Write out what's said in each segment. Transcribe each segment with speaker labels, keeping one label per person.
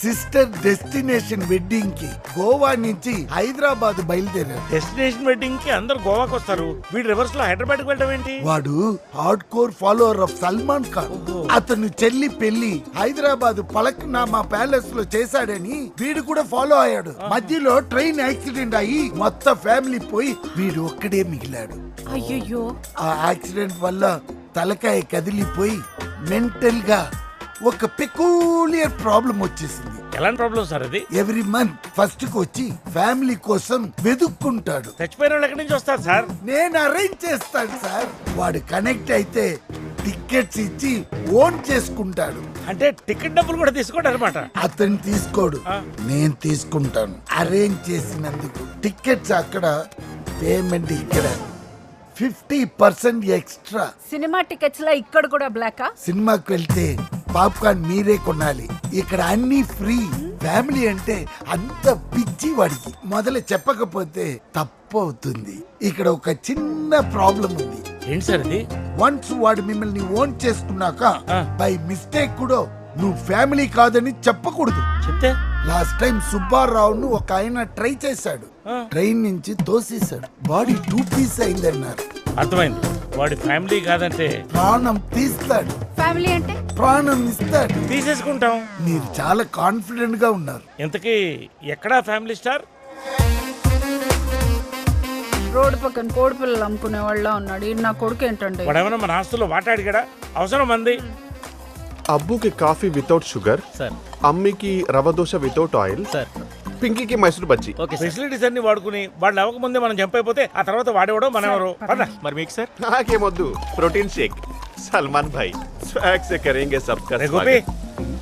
Speaker 1: Sister destination wedding కి గోవా నుంచి హైదరాబాద్ బయలుదేరాడు.
Speaker 2: డెస్టినేషన్ వెడ్డింగ్ కి అందరు గోవాకి వస్తారు, వీడు రివర్స్ లో హైదరాబాద్ కి వెళ్ళడం ఏంటి?
Speaker 1: వాడు hardcore follower of Salman Khan. అతను చెల్లి పెళ్లి హైదరాబాద్ పలక్నామా ప్యాలెస్ లో చేశాడని వీడు కూడా ఫాలో అయ్యాడు. మధ్యలో ట్రైన్ యాక్సిడెంట్ అయ్యి మొత్తం ఫ్యామిలీ పోయి వీడు ఒక్కడే మిగిలాడు.
Speaker 3: అయ్యయ్యో.
Speaker 1: ఆ యాక్సిడెంట్ వల్ల తలకాయ కదిలిపోయి మెంటల్ గా ఒక పెకూలియర్ ప్రాబ్లం వచ్చేసింది.
Speaker 2: ఎలాంటి ప్రాబ్లం సార్ అది?
Speaker 1: ఎవ్రీ మంత్ ఫస్ట్ కి వచ్చి ఫ్యామిలీ కోసం వెతుక్కుంటాడు.
Speaker 2: చచ్చిపోయిన వాళ్ళు ఎక్కడి నుంచి వస్తారు సార్?
Speaker 1: నేను అరేంజ్ చేస్తాను సార్. వాడు కనెక్ట్ అయితే టికెట్స్ ఇచ్చి ఓన్ చేసుకుంటాడు.
Speaker 2: అంటే టికెట్ డబ్బులు కూడా తీసుకోండి అనమాట.
Speaker 1: అతను తీసుకోడు, నేను తీసుకుంటాను. అరేంజ్ చేసినందుకు టికెట్స్ అక్కడ, పేమెంట్ ఇక్కడ, 50% ఎక్స్ట్రా.
Speaker 3: సినిమా టికెట్స్ లా ఇక్కడ కూడా బ్లాకా?
Speaker 1: సినిమాకి వెళ్తే పాప్కార్న్ మీరే కొనాలి, ఇక్కడ అన్ని ఫ్రీ. ఫ్యామిలీ అంటే అంత పిచ్చి వాడికి. మొదలు చెప్పకపోతే తప్పు అవుతుంది. ఇక్కడ ఒక చిన్న ప్రాబ్లం ఉంది.
Speaker 2: ఏంటి సార్ అది?
Speaker 1: వన్స్ వాడు మిమ్మల్ని ఓన్ చేసుకున్నాక బై మిస్టేక్ కూడా నువ్వు ఫ్యామిలీ కాదని చెప్పకూడదు.
Speaker 2: చెప్తే?
Speaker 1: లాస్ట్ టైం సుబ్బారావును ఒక ఆయన ట్రై చేశాడు, ట్రైన్ నుంచి తోసేశాడు. Body 2 piece అయిందన్నారు.
Speaker 2: అర్థమైంది. వాడి ఫ్యామిలీ కాదంటే
Speaker 1: ప్రాణం తీస్తాడు.
Speaker 3: ఫ్యామిలీ అంటే
Speaker 1: ప్రాణం ఇస్తాడు.
Speaker 2: తీసేసుకుంటాం.
Speaker 1: మీరు చాలా కాన్ఫిడెంట్ గా ఉన్నారు.
Speaker 2: ఇంతకీ ఎక్కడా ఫ్యామిలీ స్టార్?
Speaker 3: రోడ్డు పక్కన కోడి పిల్లలు అమ్ముకునే వాళ్ళ ఉన్నాడు. నా కొడుకు ఏంటంటే
Speaker 2: వాడు ఏమైనా మన ఆస్తుల్లో వాటాడిగాడా? అవసరం మంది.
Speaker 4: అబ్బుకి కాఫీ వితౌట్ షుగర్
Speaker 5: సార్.
Speaker 4: అమ్మికి rava dosa without oil
Speaker 5: sir.
Speaker 4: పింకీకి మైసూర్ బజ్జీ.
Speaker 2: ఫెసిలిటీస్ అన్ని వాడుకుని వాళ్ళు అవ్వక ముందే మనం జంప్ అయిపోతే ఆ తర్వాత వాడేవాడు మనం ఎవరు?
Speaker 5: మరి మీకు సార్?
Speaker 4: నాకేమొద్దు, protein shake. Salman bhai swag సే కరేంగే సబ్కా
Speaker 2: గోపి,
Speaker 4: స్వాగత్.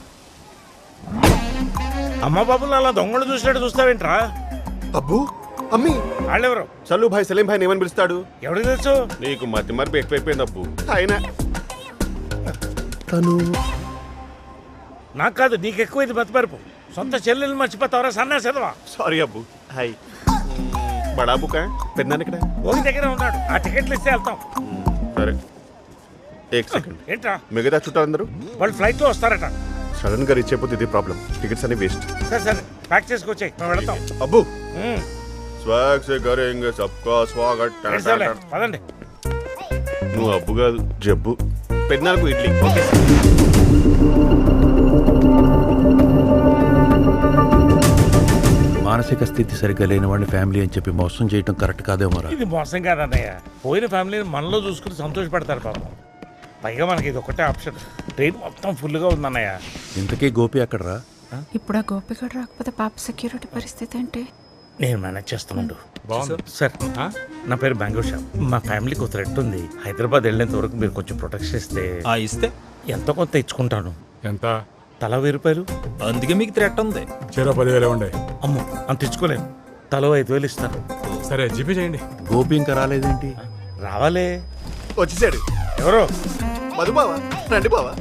Speaker 2: అమ్మ బాబులు అలా దొంగలు చూసినట్టు చూస్తావేంట్రా?
Speaker 4: అబ్బు, అమ్మి,
Speaker 2: వాళ్ళెవరు?
Speaker 4: చల్లు భాయ్ సలీం భాయ్ ఏమని పిలుస్తాడు?
Speaker 2: ఎవరికి తెలుసు?
Speaker 4: నీకు మతి మరపు ఎక్కువైపోయింది అబ్బు. ఆయన తను
Speaker 2: నాకు కాదు, నీకు ఎక్కువ ఇది మతిమరుపు. సొంత చెల్లెల్ని మర్చిపోతావరా సన్నాసేదవా?
Speaker 4: సారీ అబ్బు. హాయ్ బడాబు కా పెద్దాను ఇక్కడ
Speaker 2: ఓకి దగ్గర ఉన్నాడు. ఆ టికెట్లు ఇస్తే వెళ్తాం.
Speaker 4: సరే, ఏక్ సెకండ్.
Speaker 2: ఏంట్రా?
Speaker 4: మిగతా చుట్టాలందరూ
Speaker 2: వాళ్ళు ఫ్లైట్ లో వస్తారట.
Speaker 4: సడన్ గా రీచ్ అయిపోతే ఇది ప్రాబ్లం. టికెట్స్ అన్ని వేస్ట్.
Speaker 2: సరే సరే, ప్యాక్ చేసుకొచ్చాయి, మేము వెళ్తాం.
Speaker 4: అబ్బు, స్వాగ్ సే కరేంగే సబ్కా స్వాగత్.
Speaker 2: పదండి.
Speaker 4: నువ్వు అబ్బు కాదు, జబ్బు. పెద్దనాలకు ఇడ్లీ. ఓకే.
Speaker 6: మానసిక స్థితి సరిగ్గా లేని వాడిని ఫ్యామిలీ అని చెప్పి మోసం చేయడం కరెక్ట్ కాదేమోరా.
Speaker 2: ఇది మోసం కాదన్నయ్య. పోయిన ఫ్యామిలీని మనలో చూసుకుని సంతోషపడతారు పాపం. పైగా మనకి ఇది ఒకటే ఆప్షన్. ట్రైన్ మొత్తం ఫుల్గా ఉందన్నయ్య.
Speaker 6: ఇంతకీ గోపి అక్కడరా?
Speaker 3: ఇప్పుడు ఆ గోపిగడు రాకపోతే పాప సెక్యూరిటీ పరిస్థితి అంటే
Speaker 2: నేను మేనేజ్ చేస్తున్నాడు. సార్, నా పేరు బెంగళూరు షా. మా ఫ్యామిలీకి ఒక థ్రెట్ ఉంది. హైదరాబాద్ వెళ్ళేంత వరకు మీరు కొంచెం ప్రొటెక్షన్ ఇస్తే
Speaker 5: ఇస్తే
Speaker 2: ఎంతో కొంత ఇచ్చుకుంటాను.
Speaker 7: ఎంత?
Speaker 2: తల 1000 రూపాయలు.
Speaker 5: అందుకే మీకు థ్రెట్ ఉంది.
Speaker 7: చెరో 10,000 ఉండే.
Speaker 2: అమ్మో, అంత ఇచ్చుకోలేను. తలో 5,000 ఇస్తాను.
Speaker 7: సరే, జీపే చేయండి.
Speaker 6: గోపి ఇంకా రాలేదేంటి?
Speaker 2: రావాలే.
Speaker 4: వచ్చేసాడు.
Speaker 2: ఎవరో
Speaker 4: మధు బావా, రండి బావా.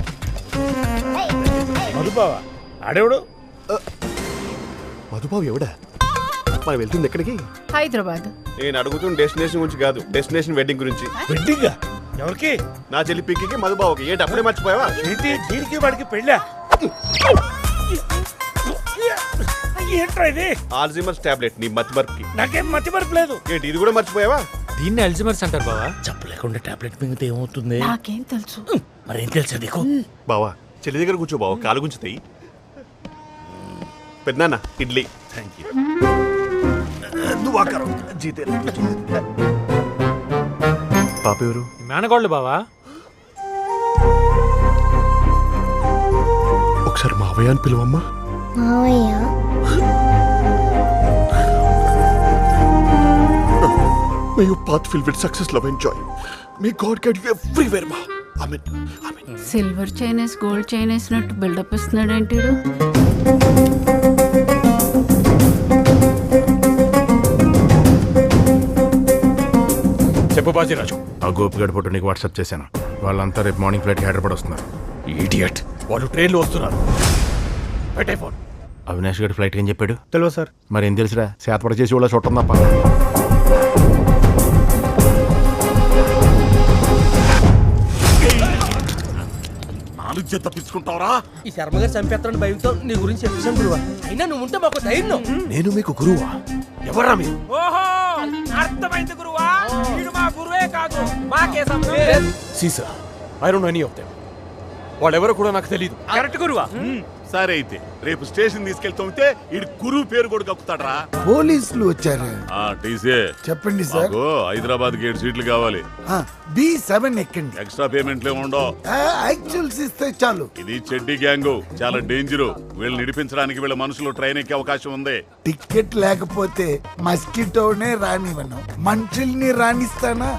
Speaker 2: మధుబావా? ఆడేవుడు?
Speaker 4: మధుబాబు ఎవడా? మనం వెళ్తుంది ఎక్కడికి?
Speaker 3: హైదరాబాద్.
Speaker 4: నేను అడుగుతున్న డెస్టినేషన్ గురించి కాదు, డెస్టినేషన్ వెడ్డింగ్ గురించి.
Speaker 2: వెడ్డింగా? ఎవరికి?
Speaker 4: నా చెల్లి పింకీకి మధుబాబుకి. ఏంటి అప్పుడే మర్చిపోయావా?
Speaker 2: ఏంటి దీనికి వాడికి పెళ్ళా? ఏంట్రా ఇది?
Speaker 4: ఆల్జీమర్స్ టాబ్లెట్ నీ మతిమర్పుకి.
Speaker 2: నాకేం మతిమరుపు లేదు.
Speaker 4: ఏంటి ఇది కూడా మర్చిపోయావా?
Speaker 5: దీన్ని అల్జిమర్స్ అంటారు బావా.
Speaker 2: చెప్పలేకుండా టాబ్లెట్ మింగితే ఏమవుతుంది?
Speaker 3: నాకేం తెలుసు.
Speaker 2: మరేం తెలుసా నీకు?
Speaker 4: బావా, చెల్లి దగ్గర కూర్చో బావా, కాలు గుంచుతాయి. పెద్దనాన్న ఇడ్లీ.
Speaker 2: Thank you.
Speaker 4: పాప ఎవరు?
Speaker 5: మేనగోళ్ళు బావా.
Speaker 4: ఒకసారి మావయ్య అని పిలువమ్మా. May your path filled with success, love and joy. May God guide you everywhere, ma. Amen. Amen.
Speaker 3: Silver Chinese gold chain వేసినట్టు బిల్డప్ ఇస్తున్నాడు ఏంటి?
Speaker 7: చెప్పు బాజీరాజు. ఆ గోపిగడ్ ఫోటో నీకు వాట్సాప్ చేశాను. వాళ్ళంతా రేపు మార్నింగ్ ఫ్లైట్కి హైదరాబాద్ వస్తున్నారు. ఇడియట్, వాళ్ళు ట్రైన్లో వస్తున్నారు. పెట్టే ఫోన్.
Speaker 6: అవినాష్ గారి ఫ్లైట్ ఏం చెప్పాడు?
Speaker 7: తెలియదు సార్.
Speaker 6: మరి ఏం తెలుసురా? శాతపడ చేసి వాళ్ళ చూడటం తప్ప.
Speaker 7: నాలుగు చేత తప్పించుకుంటావరా?
Speaker 8: ఈ శర్మ గారు చంపేస్తాడని భయంతో నీ గురించి చెప్పేశాం గురువా. అయినా నువ్వు ఉంటే మాకు ధైర్యం.
Speaker 7: నేను మీకు గురువా? ఎవరా మీరు?
Speaker 8: ఓహో అర్థమైంది గురువా. వీడు మా గురువే కాదు మాకే సంబంధం.
Speaker 7: సీసా I don't know any of them. వాళ్ళెవరో కూడా నాకు తెలియదు.
Speaker 8: కరెక్ట్ గురువా.
Speaker 9: సరే అయితే రేపు స్టేషన్ తీసుకెళ్తుంటే ఇడు గురువు పేరు కూడా కక్కుతాడరా.
Speaker 1: పోలీసులు వచ్చారు.
Speaker 9: టీసీ
Speaker 1: చెప్పండి సార్.
Speaker 9: హైదరాబాద్ గేట్ సీట్లు కావాలి.
Speaker 1: B7 ఎక్కండి.
Speaker 9: ఎక్స్ట్రా పేమెంట్లే ఉండవు.
Speaker 1: యాక్చువల్స్ ఇస్తే చాలు.
Speaker 9: ఇది చెడ్డి గ్యాంగ్, చాలా డేంజరు. వీళ్ళు నిడిపించడానికి వీళ్ళ మనుషులు ట్రైన్ ఎక్కే అవకాశం ఉంది.
Speaker 1: టికెట్ లేకపోతే మస్కిటోనే రానివ్వను, మనుషుల్ని రాణిస్తానా?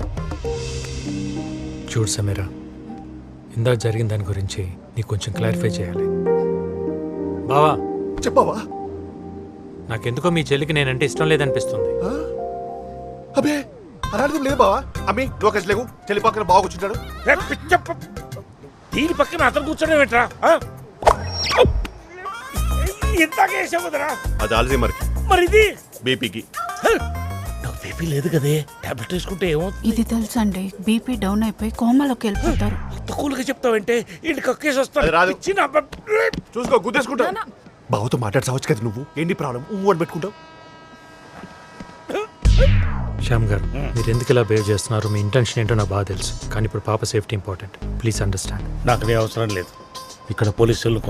Speaker 5: చూడు సమీరా, ఇందాక జరిగిన దాని గురించి నీకు కొంచెం క్లారిఫై చేయాలి. బావా
Speaker 4: చెప్పావా?
Speaker 5: నాకెందుకో మీ చెల్లికి నేనంటే ఇష్టం లేదనిపిస్తుంది.
Speaker 4: అబే అలాంటిది లేదు బావా. అమ్మి లోకేష్ లేవు, చెల్లి పక్కన బాగా కూర్చుంటాడు.
Speaker 2: దీని పక్కన అతను కూర్చోడం ఏంట్రా? ఇంతకే వేసావుదరా?
Speaker 4: అది ఆల్జీమర్కి,
Speaker 2: మరి ఇది
Speaker 4: బీపీకి.
Speaker 2: నాకు బీపీ లేదు కదే. టాబ్లెట్ వేసుకుంటే ఏమో.
Speaker 3: ఇది తెలుసండి, బీపీ డౌన్ అయిపోయి కోమాలోకి వెళ్ళిపోతారు.
Speaker 2: తక్కువగా చెప్తావంటే ఇంటి కక్కేసి
Speaker 4: అది
Speaker 2: వస్తాను.
Speaker 4: రాదు.
Speaker 2: చిన్న
Speaker 4: చూసుకో, గుద్దేసుకుంటా. బావతో మాట్లాడసావచ్చు కదా నువ్వు. ఏంటి ప్రాబ్లం? అని పెట్టుకుంటావు.
Speaker 5: శ్యామ్ గారు, మీరు ఎందుకు ఇలా బిహేవ్ చేస్తున్నారు? మీ ఇంటెన్షన్ ఏంటో నాకు బాగా తెలుసు. కానీ ఇప్పుడు పాప సేఫ్టీ ఇంపార్టెంట్. Please understand.
Speaker 2: నాకు నీ అవసరం లేదు. ఇక్కడ పోలీసులు